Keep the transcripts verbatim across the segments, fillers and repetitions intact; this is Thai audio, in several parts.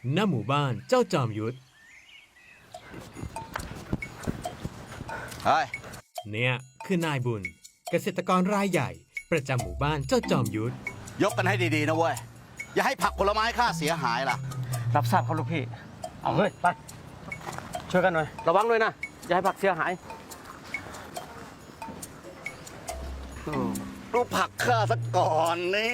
ณหมู่บ้านเจ้าจอมยุทธเฮ้ยเนี่ยคือนายบุญเกษตรกรรายใหญ่ประจำหมู่บ้านเจ้าจอมยุทธยกกันให้ดีๆนะเว้ยอย่าให้ผักผลไม้ข้าเสียหายล่ะรับทราบครับลูกพี่เอาเฮ้ยไปช่วยกันหน่อยระวังด้วยนะอย่าให้ผักเสียหายดูผักข้าสักก่อนนี่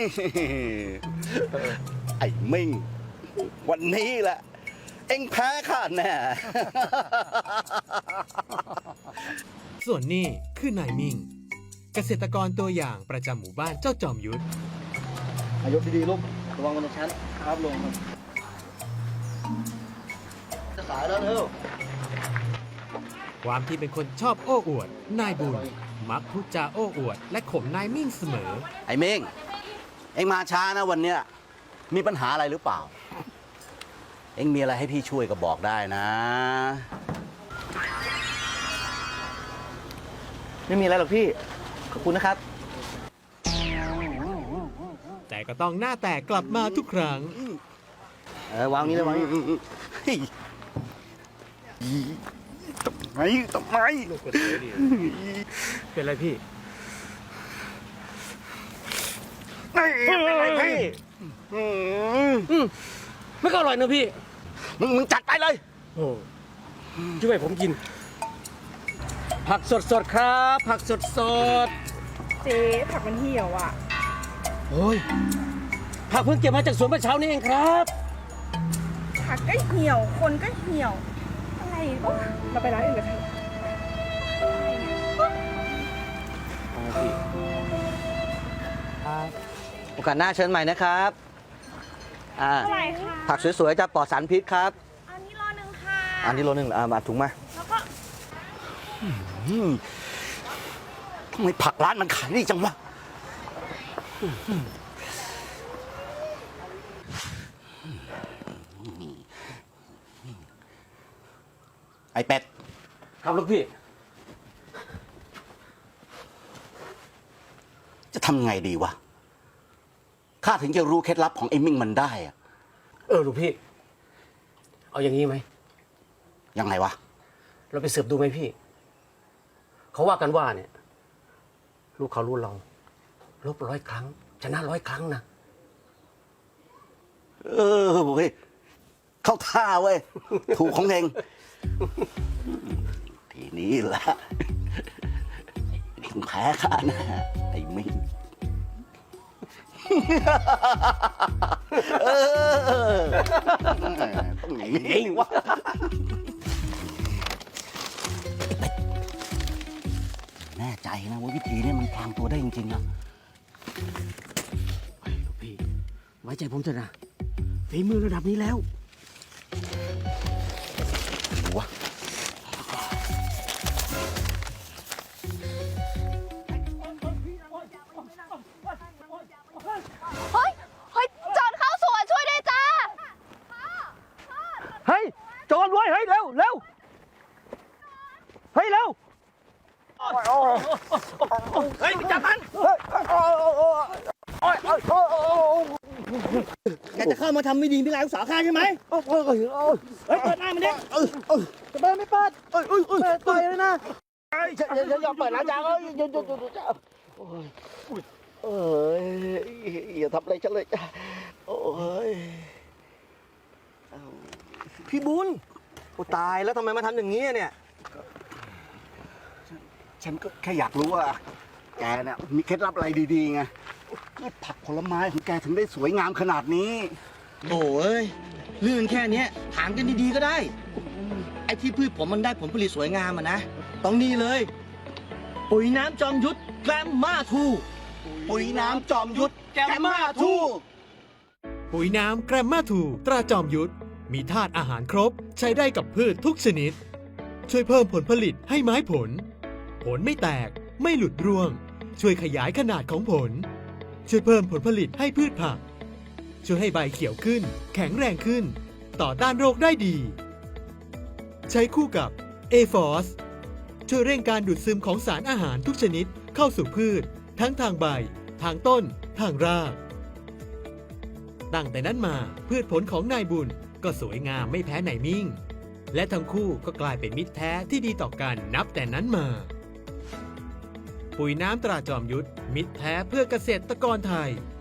ไอ้มิ่งวันนี้แหละเอ็งแพ้ข้าแน่ส่วนนี่คือนายมิ่งเกษตรกรตัวอย่างประจำหมู่บ้านเจ้าจอมยุทธอายกดีๆลูกระวังกันนะชั้นครับลงจะสายแล้วเร็วความที่เป็นคนชอบโอ้อวดนายบุญมักพูดจาโอ้อวดและข่มนายมิ่งเสมอไอ้มิ่งเอ็งมาช้านะวันเนี้ยมีปัญหาอะไรหรือเปล่าเอ็งมีอะไรให้พี่ช่วยก็บอกได้นะไม่มีอะไรหรอกพี่ขอบคุณนะครับแต่ก็ต้องหน้าแตกกลับมาทุกครั้งเออวางนี้เลยวางนี้ทำไมทำไมเป็นไรพี่เป็นไรพี่ไม่ก็อร่อยนะพี่มึงมึงจัดไปเลยโอ้ช่วยผมกินผักสดๆครับผักสดๆเจ๊ผักมันเหี่ยวอ่ะโอ้ยผักเพิ่งเก็บมาจากสวนเมื่อเช้านี้เองครับผักก็เหี่ยวคนก็เหี่ยวอะไรวะเราไปร้านอื่นกันเถอะโอกาสหน้าเชิญใหม่นะครับอ่าอะไรคะผักสวยๆจะปลอดสารพิษครับอันนี้โลนึงค่ะอันนี้โลนึงอ่ามาถุงมาแล้วก็ทำไมผักร้านมันขายดีจังวะไอ้เป็ดครับลูกพี่จะทำไงดีวะข้าถึงจะรู้เคล็ดลับของไอ้มิ่งมันได้อะเออลูกพี่เอาอย่างนี้ไหมยังไงวะเราไปสืบดูไหมพี่เขาว่ากันว่าเนี่ยลูกเขารู้เราลบร้อยครั้งชนะร้อยครั้งนะเออเว้ยเข้าท่าเว้ยถูกของเองทีนี้แหละแพ้ข้านะไอ้มิ่งเออต้องอย่างนี้วะแน่ใจนะว่าวิธีนี้มันพลางตัวได้จริงๆนะไอ้ลูกพี่ไว้ใจผมเถอะนะฝีมือระดับนี้แล้ววะเฮ้ยเฮ้ยโจรเข้าสวนช่วยด้วยจ้าเฮ้ยโจรเว้ยเฮ้ยเร็วเร็วเฮ้ยเร็วเฮ้ยจับมันแกจะเข้ามาทำไม่ดีพี่ลายลูกสาวข้าใช่ไหมเฮ้ยเปิดหน้ามันดิจะเปิดไม่เปิดเปิดเปิดเลยนะฉันฉันยอมเปิดแล้วจ้าเอ้ยหยุดหยุดหยุดหยุดจ้าโอ้ยเอ้ยอย่าทำอะไรฉันเลยจ้าโอ้ยพี่บุญโอ้ตายแล้วทำไมมาทำอย่างนี้เนี่ยฉันก็แค่อยากรู้ว่าแกเนี่ยมีเคล็ดลับอะไรดีๆไงผักผลไม้ของแกถึงได้สวยงามขนาดนี้โอ้ยเรื่องแค่นี้ถามกันดีๆก็ได้ไอ้ที่พืชผมมันได้ผลผลิตสวยงามอ่ะนะต้องนี่เลยปุ๋ยน้ำจอมยุทธแกรมมาทูปุ๋ยน้ำจอมยุทธแกรมมาทูปุ๋ยน้ำแกรมมาทูตราจอมยุทธมีธาตุอาหารครบใช้ได้กับพืชทุกชนิดช่วยเพิ่มผลผลิตให้ไม้ผลผลไม่แตกไม่หลุดร่วงช่วยขยายขนาดของผลช่วยเพิ่มผลผลิตให้พืชผักช่วยให้ใบเขียวขึ้นแข็งแรงขึ้นต่อต้านโรคได้ดีใช้คู่กับ เอ ฟอส ช่วยเร่งการดูดซึมของสารอาหารทุกชนิดเข้าสู่พืชทั้งทางใบทางต้นทางรากตั้งแต่นั้นมาพืชผลของนายบุญก็สวยงามไม่แพ้ไหนมิ่ง และทั้งคู่ก็กลายเป็นมิตรแท้ที่ดีต่อกันนับแต่นั้นมา ปุ๋ยน้ำตราจอมยุทธมิตรแท้เพื่อเกษตรกรไทย